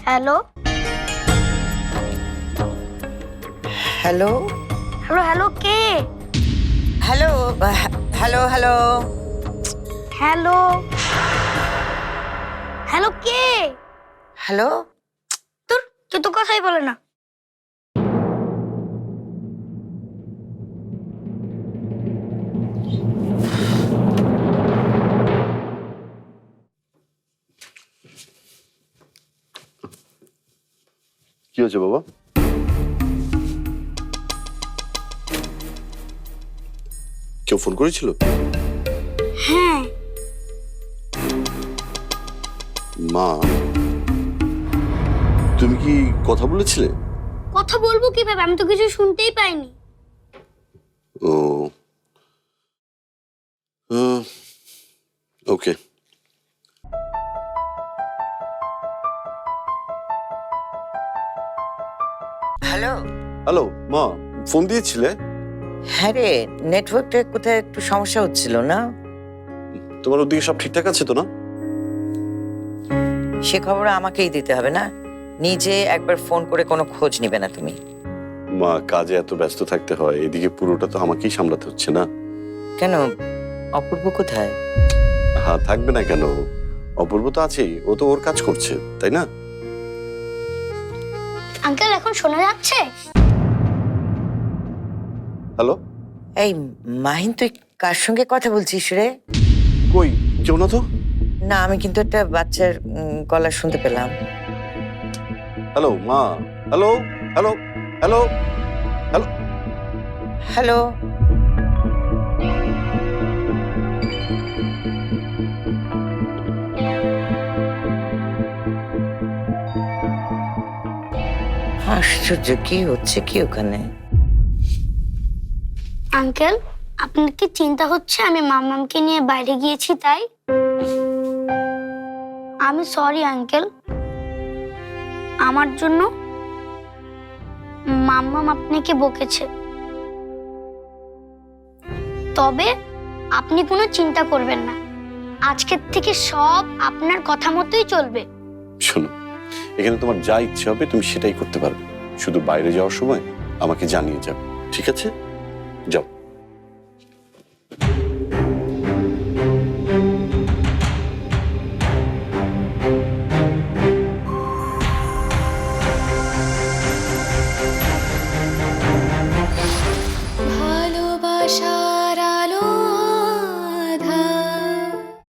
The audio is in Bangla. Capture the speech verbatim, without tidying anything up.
হ্যালো হ্যালো হ্যালো হ্যালো কে? Hello hello hello hello hello কে? হ্যালো তোর কেউ তো কথাই বলে না। কি হয়েছে বাবা? কেউ ফোন করেছিল? হ্যাঁ মা, তুমি কি কথা বলেছিলে? কথা বলবো কিভাবে, আমি তো কিছু শুনতেই পাইনি। ও ওকে। হ্যালো হ্যালো মা, ফোন দিয়েছিলে? হ্যাঁ রে, নেটওয়ার্কটা কোথায় একটু সমস্যা হচ্ছিল না? তোমার ওদিকে সব ঠিকঠাক আছে তো না? সে খবর আমাকেই দিতে হবে না? নিজে একবার ফোন করে কোনো খোঁজ নিবে না তুমি? মা, কাজে এত ব্যস্ত থাকতে হয়, এদিকে পুরোটা তো আমাকেই সামলাতে হচ্ছে না? কেন, অপূর্ব কোথায়? হ্যাঁ, থাকবে না কেন? অপূর্ব তো আছেই, ও তো ওর কাজ করছে, তাই না? আঙ্কেল এখন শোনা যাচ্ছে? হ্যালো, এই মাহিন, তুই কার সঙ্গে কথা বলছিস রে? কই কেউ না তো। না, আমি কিন্তু একটা বাচ্চার উম, গলা শুনতে পেলাম। হ্যালো মা, hello hello hello hello. Hello আশ্চর্য, কি হচ্ছে কি ওখানে? আঙ্কেল, আপনার কি চিন্তা হচ্ছে আমি মাম্মামকে নিয়ে বাইরে গিয়েছি তাই? আমি সরি আঙ্কেল, আমার জন্য মাম্মাম আপনাকে বকেছে। তবে আপনি কোনো চিন্তা করবেন না, আজকের থেকে সব আপনার কথা মতোই চলবে। শোনো, এখানে তোমার যা ইচ্ছে হবে তুমি সেটাই করতে পারবে, শুধু বাইরে যাওয়ার সময় আমাকে জানিয়ে যাও, ঠিক আছে? যাও।